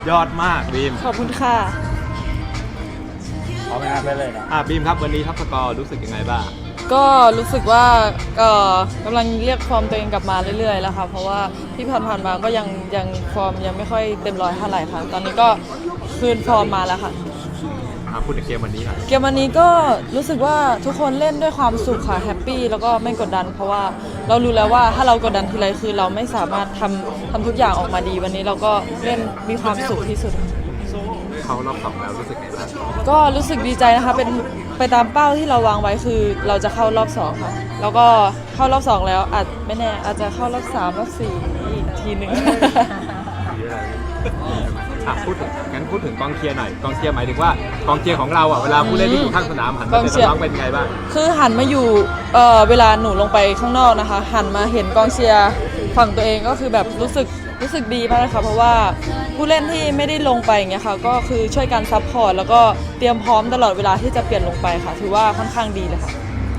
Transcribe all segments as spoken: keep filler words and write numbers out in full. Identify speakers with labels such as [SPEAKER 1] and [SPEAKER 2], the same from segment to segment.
[SPEAKER 1] ยอดมากบีม
[SPEAKER 2] ขอบคุณค่ะ
[SPEAKER 1] พร้อมไหมครับได้เลยนะอ่ะบีมครับวันนี้ทัพสกอร์รู้สึกยังไงบ้าง
[SPEAKER 2] ก็รู้สึกว่าก็กำลังเรียกฟอร์มตัวเองกลับมาเรื่อยๆแล้วค่ะเพราะว่าที่ผ่านๆมาก็ยังยังฟอร์มยังไม่ค่อยเต็มร้อยเท่าไหร่ค่ะตอนนี้ก็คืนฟอร์มมาแล้วค่ะ
[SPEAKER 1] พูดถึงเกมวันนี้ค่ะ
[SPEAKER 2] เกมวันนี้ก็รู้สึกว่าทุกคนเล่นด้วยความสุขค่ะแฮปปี้แล้วก็ไม่กดดันเพราะว่าเรารู้แล้วว่าถ้าเรากดดันทีไรคือเราไม่สามารถทำทำทุกอย่างออกมาดีวันนี้เราก็เล่นมีความสุขที่สุด
[SPEAKER 1] เขารอบสองแล้วรู้สึกไงบ้าง
[SPEAKER 2] ก็รู้สึกดีใจนะคะเป็นไปตามเป้าที่เราวางไว้คือเราจะเข้ารอบสองค่ะแล้วก็เข้ารอบสองแล้วอาจไม่แน่อาจจะเข้ารอบสามรอบสี่อีกทีหนึ่ง
[SPEAKER 1] อ่ะพูดถึงงั้นพูดถึงกองเชียร์หน่อยกองเชียร์หมายถึงว่ากองเชียร์ของเราอ่ะเวลาผู้เล่นที่อยู่ข้างสนามหันมาเป็นน้องเป็นไงบ้าง
[SPEAKER 2] คือหันมาอยู่เอ่อเวลาหนูลงไปข้างนอกนะคะหันมาเห็นกองเชียร์ฝั่งตัวเองก็คือแบบรู้สึกรู้สึกดีมากเลยค่ะเพราะว่าผู้เล่นที่ไม่ได้ลงไปอย่างเงี้ยค่ะก็คือช่วยกันซัพพอร์ตแล้วก็เตรียมพร้อมตลอดเวลาที่จะเปลี่ยนลงไปค่ะถือว่าค่อนข้างดีเลยค่ะ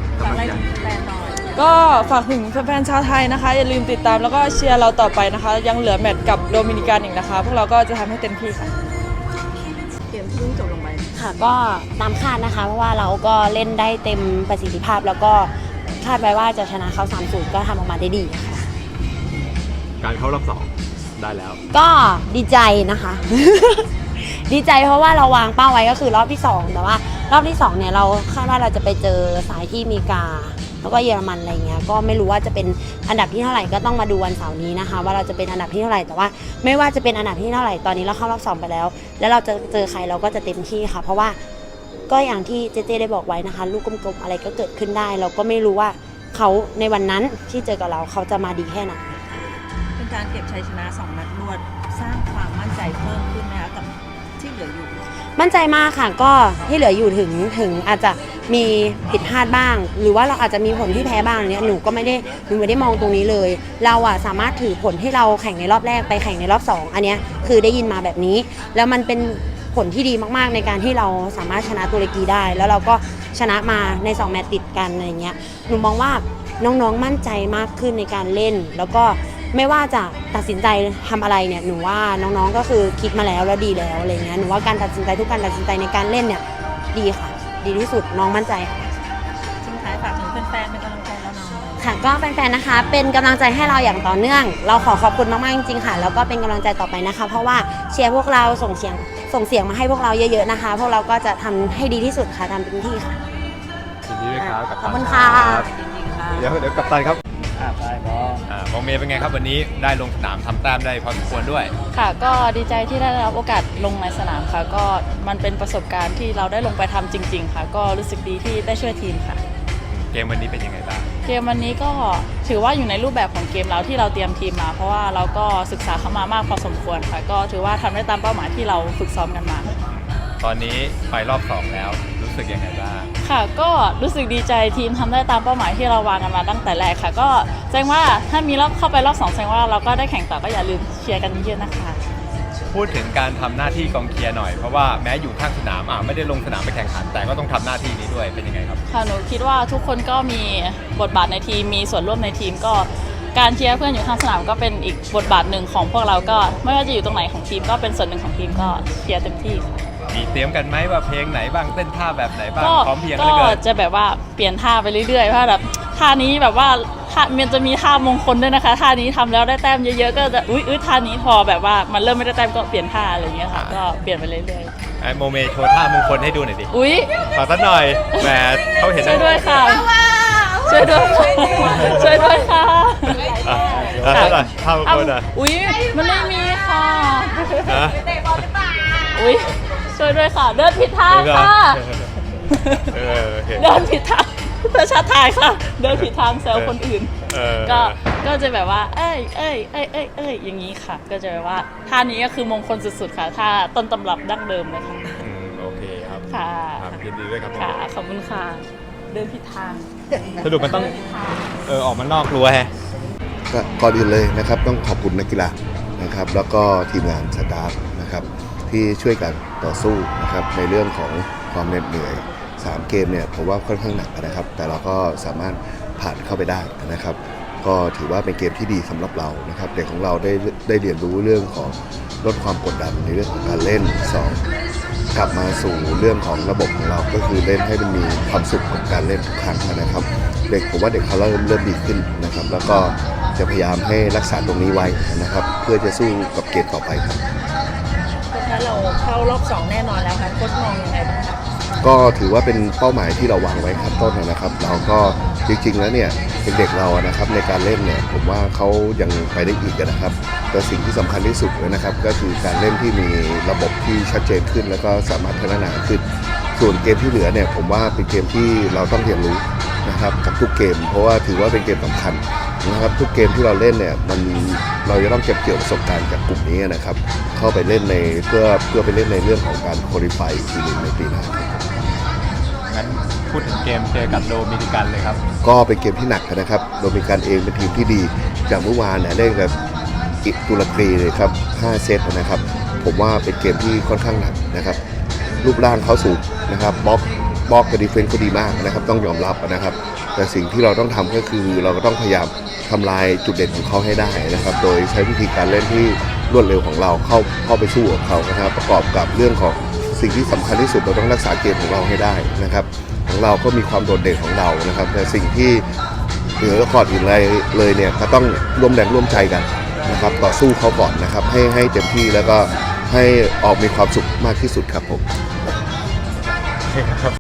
[SPEAKER 2] ก็ฝากถึงแฟนๆชาวไทยนะคะอย่าลืมติดตามแล้วก็เชียร์เราต่อไปนะคะยังเหลือแมตช์กับโดมินิกันอีกนะคะพวกเราก็จะทำให้เต็มที่ค่ะเกมที่เพิ่งจบลงไป
[SPEAKER 3] ค่ะก็ตามคาดนะคะเพราะว่าเราก็เล่นได้เต็มประสิทธิภาพแล้วก็คาดไว้ว่าจะชนะเขา สามศูนย์ ก็ทำออกมาได้ดีค่ะ
[SPEAKER 1] การเข้ารอบสองได้แล้ว
[SPEAKER 3] ก็ดีใจนะคะ ดีใจเพราะว่าเราวางเป้าไว้ก็คือรอบที่สองแต่ว่ารอบที่สองเนี่ยเราคาดว่าเราจะไปเจอสายที่มีกาแล้วก็เยอรมันอะไรเงี้ยก็ไม่รู้ว่าจะเป็นอันดับที่เท่าไหร่ก็ต้องมาดูวันเสาร์นี้นะคะว่าเราจะเป็นอันดับที่เท่าไหร่แต่ว่าไม่ว่าจะเป็นอันดับที่เท่าไหร่ตอนนี้เราเข้ารอบสองไปแล้วแล้วเราจะเจอใครเราก็จะเต็มที่ค่ะเพราะว่าก็อย่างที่เจเจได้บอกไว้นะคะลูกกลมๆอะไรก็เกิดขึ้นได้เราก็ไม่รู้ว่าเขาในวันนั้นที่เจอกับเราเขาจะมาดีแค่ไหน
[SPEAKER 4] เป็นการเก็บชัยชนะสองนัดรวดสร้างความมั่นใจเพิ่มขึ้นไหมคะกับที่เหลืออยู่
[SPEAKER 3] มั่นใจมากค่ะก็ที่เหลืออยู่ถึงถึงอาจจะมีผิดพลาดบ้างหรือว่าเราอาจจะมีผลที่แพ้บ้างเนี่ยหนูก็ไม่ได้หนูไม่ได้มองตรงนี้เลยเราอะสามารถถือผลที่เราแข่งในรอบแรกไปแข่งในรอบสองอันนี้คือได้ยินมาแบบนี้แล้วมันเป็นผลที่ดีมากๆในการที่เราสามารถชนะตุรกีได้แล้วเราก็ชนะมาในสองแมตช์ติดกันอะไรเงี้ยหนูมองว่าน้องๆมั่นใจมากขึ้นในการเล่นแล้วก็ไม่ว่าจะตัดสินใจทำอะไรเนี่ยหนูว่าน้องๆก็คือคิดมาแล้วแล้วดีแล้วอะไรเงี้ยหนูว่าการตัดสินใจทุกการตัดสินใจในการเล่นเนี่ยดีค่ะดีที่สุดน้องมั่นใจค่ะ
[SPEAKER 4] ทิ้งท้ายฝากถึงแฟนๆเป็นกำลังใจแล้วน้อง
[SPEAKER 3] ค่ะก็แฟนๆนะคะเป็นกำลังใจให้เราอย่างต่อเนื่องเราขอขอบคุณมากๆจริงๆค่ะแล้วก็เป็นกำลังใจต่อไปนะคะเพราะว่าเชียร์พวกเราส่งเสียงส่งเสียงมาให้พวกเราเยอะๆนะคะพวกเราก็จะทำให้ดีที่สุดค่ะทำเต็มที่ค่ะ
[SPEAKER 1] ยินดีด้วยครับ
[SPEAKER 3] ขอบคุณค่ะ
[SPEAKER 1] เดี๋ยวเดี๋ยวกัปตันครับใช่ก็มองเมย์เป็นไงครับวันนี้ได้ลงสนามทำแต้มได้พอสมควรด้วย
[SPEAKER 2] ค่ะก็ดีใจที่ได้รับโอกาสลงในสนามค่ะก็มันเป็นประสบการณ์ที่เราได้ลงไปทำจริงๆค่ะก็รู้สึกดีที่ได้ช่วยทีมค่ะ
[SPEAKER 1] เกมวันนี้เป็นยังไงบ้าง
[SPEAKER 2] เกมวันนี้ก็ถือว่าอยู่ในรูปแบบของเกมเราที่เราเตรียมทีมมาเพราะว่าเราก็ศึกษาเข้ามามากพอสมควรค่ะก็ถือว่าทำได้ตามเป้าหมายที่เราฝึกซ้อมกันมา
[SPEAKER 1] ตอนนี้ไปรอบสองแล้วรู้สึกยังไงบ้าง
[SPEAKER 2] ค่ะก็รู้สึกดีใจทีมทำได้ตามเป้าหมายที่เราวางกันมาตั้งแต่แรกค่ะก็แสดงว่าถ้ามีรอบเข้าไปรอบสองแสดงว่าเราก็ได้แข่งต่อก็อย่าลืมเชียร์กันเยอะๆนะคะ
[SPEAKER 1] พูดถึงการทำหน้าที่กองเชียร์หน่อยเพราะว่าแม้อยู่ข้างสนามอ่ะไม่ได้ลงสนามไปแข่งขันแต่ก็ต้องทำหน้าที่นี้ด้วยเป็นยังไงครับ
[SPEAKER 2] ค่ะหนูคิดว่าทุกคนก็มีบทบาทในทีมมีส่วนร่วมในทีมก็การเชียร์เพื่อนอยู่ข้างสนามก็เป็นอีกบทบาทหนึ่งของพวกเราก็ไม่ว่าจะอยู่ตรงไหนของทีมก็เป็นส่วนหนึ่งของทีมก็เชียร์เต็มที่ค่ะ
[SPEAKER 1] มีเตรียมกันไหมว่าเพลงไหนบ้างเต้นท่าแบบไหนบ้างพร้อมเพียง
[SPEAKER 2] ก็จะแบบว่าเปลี่ยนท่าไปเรื่อยๆเพราะแบบท่านี้แบบว่าท่ามันจะมีท่ามงคลด้วยนะคะท่านี้ทำแล้วได้แต้มเยอะๆก็จะอุ้ยอุ้ยท่านี้พอแบบว่ามันเริ่มไม่ได้แต้มก็เปลี่ยนท่าอะไรอย่างเงี้ยค่ะก็เปลี่ยนไปเรื่อย
[SPEAKER 1] ๆไอโมเมโชว์ท่ามงคลให้ดูหน่อยดิ
[SPEAKER 2] อุ้ย
[SPEAKER 1] ขอสักหน่อยแหมเขาเห็น
[SPEAKER 2] ช่วยด้วยค่ะช่วยด้วยช่วยด้วยค่ะ
[SPEAKER 1] ท่าหน่อยท่ามงคลอ่ะ
[SPEAKER 2] อุ้ยมันไม่มีค่ะอุ้ยช่วยด้วยค่ะเดินผิดทางค่ะเดินผิดทางประชาทายค่ะเดินผิดทางแซวคนอื่นก็ก็จะแบบว่าเอ้ยเอ้ยเอ้ยเอ้ยเอ้ยอย่างนี้ค่ะก็จะแบบว่าท่านี้ก็คือมงคลสุดๆค่ะท่าต้นตำรับดั้งเดิมเลยค่ะ
[SPEAKER 1] โอเคครับ
[SPEAKER 2] ค่ะ
[SPEAKER 1] ยินดีด้วยครับ
[SPEAKER 2] ค่ะขอบคุณค่ะเดินผิดทาง
[SPEAKER 1] สรุปมันต้องเออออกมานอกรั้วแฮะ
[SPEAKER 5] ก่อนอื่นเลยนะครับต้องขอบคุณนักกีฬานะครับแล้วก็ทีมงานสตาฟนะครับที่ช่วยกันต่อสู้นะครับในเรื่องของความเหน็ดเหนื่อยสามเกมเนี่ยผมว่าค่อนข้างหนักนะครับแต่เราก็สามารถผ่านเข้าไปได้นะครับก็ถือว่าเป็นเกมที่ดีสำหรับเรานะครับเด็กของเราได้ได้เรียนรู้เรื่องของลดความกดดันในเรื่องของการเล่นสองกลับมาสู่เรื่องของระบบของเราก็คือเล่นให้มันมีความสุขกับการเล่นทุกครั้งนะครับ เด็กผมว่าเด็กเขาเริ่มเริ่มดีขึ้นนะครับแล้วก็จะพยายามให้รักษาตรงนี้ไว้นะครับเพื่อจะสู้กับเกมต่อไปครับ
[SPEAKER 4] ถ้าเราเข้ารอบสองแน่นอนแล้วค่ะโค้ชมองยังไงบ้างคะ
[SPEAKER 5] ก็ถือว่าเป็นเป้าหมายที่เราวางไว้ขั้นต้นนะครับ เราก็จริงๆแล้วเนี่ยเด็กๆเรานะครับในการเล่นเนี่ยผมว่าเขายังไปได้อีกนะครับแต่สิ่งที่สำคัญที่สุดเลยนะครับก็คือการเล่นที่มีระบบที่ชัดเจนขึ้น แล้วก็สามารถพัฒนาขึ้นส่วนเกมที่เหลือเนี่ยผมว่าเป็นเกมที่เราต้องเรียนรู้นะครับกับทุกเกม เพราะว่าถือว่าเป็นเกมสำคัญนะครับทุกเกมที่เราเล่นเนี่ยมันเราจะต้องเก็บเกี่ยวประสบการณ์จากกลุ่มนี้นะครับเข้าไปเล่นในเพื่อเพื่อไปเล่นในเรื่องของการคุริฟายทีนึงในปีหน้า
[SPEAKER 1] งั้นพูดถึงเกมเจอกับโดมินิกันเลยครับ
[SPEAKER 5] ก็เป็นเกมที่หนักนะครับโดมินิกันเองเป็นทีมที่ดีจากเมื่อวานเนี่ยเล่นกับตุรกีเลยครับห้าเซตนะครับผมว่าเป็นเกมที่ค่อนข้างหนักนะครับรูปร่างเขาสูงนะครับบล็อกบล็อกกับดีเฟนซ์ก็ดีมากนะครับต้องยอมรับนะครับแต่สิ่งที่เราต้องทำก็คือเราก็ต้องพยายามทำลายจุดเด่นของเขาให้ได้นะครับโดยใช้วิธีการเล่นที่รวดเร็วของเราเข้าเข้าไปสู้กับเขานะครับประกอบกับเรื่องของสิ่งที่สำคัญที่สุดเราต้องรักษาเกมของเราให้ได้นะครับของเราก็มีความโดดเด่นของเรานะครับแต่สิ่งที่เหนือก่อนอื่นเลยเลยเนี่ยก็ต้องร่วมแรงร่วมใจกันนะครับต่อสู้เขาก่อนนะครับให้ให้เต็มที่แล้วก็ให้ออกมีความสุขมากที่สุดครับผม